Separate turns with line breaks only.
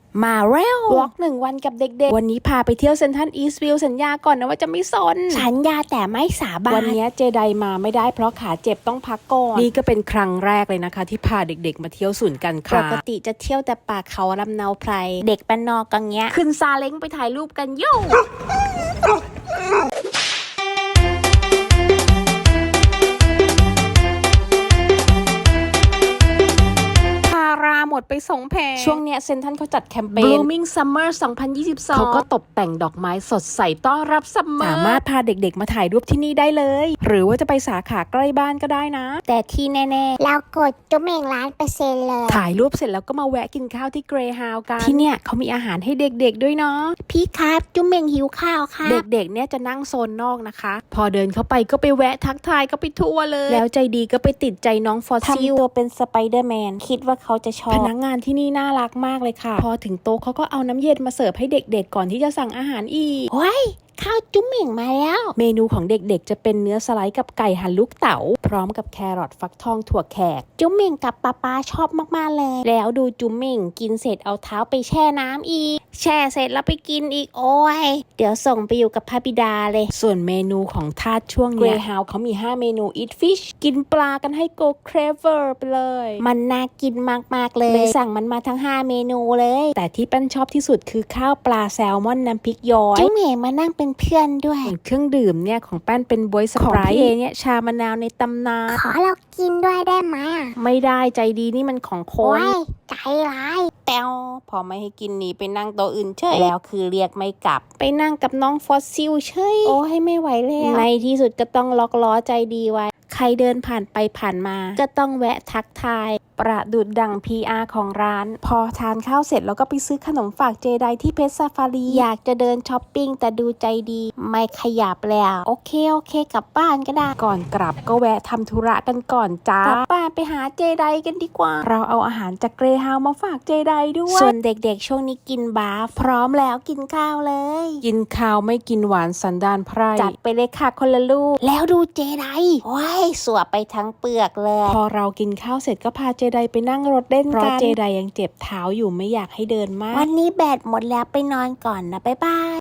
มาเร็ววอล์ก1 วันกับเด็กๆวันนี้พาไปเที่ยวเซ็นทรัลอีสต์วิวสัญญาก่อนนะว่าจะไม่ซน
สัญญาแต่ไม่สาบาน
วันนี้เจไดมาไม่ได้เพราะขาเจ็บต้องพักก่อนนี่ก็เป็นครั้งแรกเลยนะคะที่พาเด็กๆมาเที่ยวศูนย์การค้า
ปกติจะเที่ยวแต่ป่าเขาลำเนาไพรเด็กบ้านนอกกันเงี้ย
ขึ้นซาเล้งไปถ่ายรูปกันโย่หมดไป2 แผงช่วงเนี้ยเซ็นทรัลเขาจัดแคมเปญ Blooming Summer 2022เขาก็ตกแต่งดอกไม้สดใสต้อนรับซัมเมอร์สามารถพาเด็กๆมาถ่ายรูปที่นี่ได้เลยหรือว่าจะไปสาขาใกล้บ้านก็ได้นะ
แต่ที่แน่ๆเรากดจุ๊บเม่ง1,000,000%เลย
ถ่ายรูปเสร็จแล้วก็มาแวะกินข้าวที่เกรฮาวกันที่เนี่ยเขามีอาหารให้เด็กๆด้วยเนาะ
พี่ครับจุ๊บเม่งหิวข้าวค่ะ
เด็กๆเนี่ยจะนั่งโซนนอกนะคะพอเดินเข้าไปก็ไปแวะทักทายก็ไปทั่วเลยแล้วใจดีก็ไปติดใจน้องฟอสซิล
ทำตัวเป็นสไปเดอร์แมนคิดว่าเขาจะชอบ
พนักงานที่นี่น่ารักมากเลยค่ะพอถึงโต๊ะเขาก็เอาน้ำเย็นมาเสิร์ฟให้เด็กๆก่อนที่จะสั่งอาหารอีก
ว้ายข้าวจุ๊บเม่งมาแล้ว
เมนูของเด็กๆจะเป็นเนื้อสไลด์กับไก่หั่นลูกเต๋าพร้อมกับแครอทฟักทองถั่วแขก
จุ๊บเม่งกับป๊าชอบมากๆเลยแล้วดูจุ๊บเม่งกินเสร็จเอาเท้าไปแช่น้ำอีกแช่เสร็จแล้วไปกินอีกโอ้ยเดี๋ยวส่งไปอยู่กับพระบิดาเลย
ส่วนเมนูของทาสช่วงเกรฮาวเขามี5 เมนู Eat Fish กินปลากันให้ Go Craver ไปเลย
มันน่ากินมากๆเลยสั่งมันมาทั้ง5 เมนูเลย
แต่ที่แป้นชอบที่สุดคือข้าวปลาแซลมอนน้ำพริกย้อย
จุ๊บเม่งมานั่งเป็นเพื่อนด้วย
เครื่องดื่มเนี่ยของแป้นเป็นบวยสไปร์ของเนี่ยชามะนาวในตำนาน
ขอเรากินด้วยได้ไหม
ไม่ได้ใจดีนี่มันของคน
ใจร้าย
แต้วพอไม่ให้กินหนีไปนั่งโต๊ะอื่นเฉยแล้วคือเรียกไม่กลับไปนั่งกับน้องฟอสซิลเฉย
โอ้ให้ไม่ไหวแล้ว
ในที่สุดก็ต้องล็อกล้อใจดีไว้ใครเดินผ่านไปผ่านมาก็ต้องแวะทักทายประดุดดัง PR ของร้านพอทานข้าวเสร็จแล้วก็ไปซื้อขนมฝากเจไดที่เพชรซาฟารี
อยากจะเดินช้อปปิ้งแต่ดูใจดีไม่ขยับแล้วโอเคกลับบ้านก็ได้
ก่อนกลับก็แวะทำธุระกันก่อนจ้ากลับบ้านไปหาเจไดกันดีกว่าเราเอาอาหารจากเกรฮาวมาฝากเจไดด้วย
ส่วนเด็กๆช่วงนี้กินบาฟพร้อมแล้วกินข้าวเลย
กินข้าวไม่กินหวานสันดานไพร่
จัดไปเลยค่ะคนละลูกแล้วดูเจไดโอ้ยสวบไปทั้งเปลือกเลย
พอเรากินข้าวเสร็จก็พาเจไดไปนั่งรถเล่นกันเพราะเจไดยังเจ็บเท้าอยู่ไม่อยากให้เดินมาก
วันนี้แบตหมดแล้วไปนอนก่อนนะบ๊ายบาย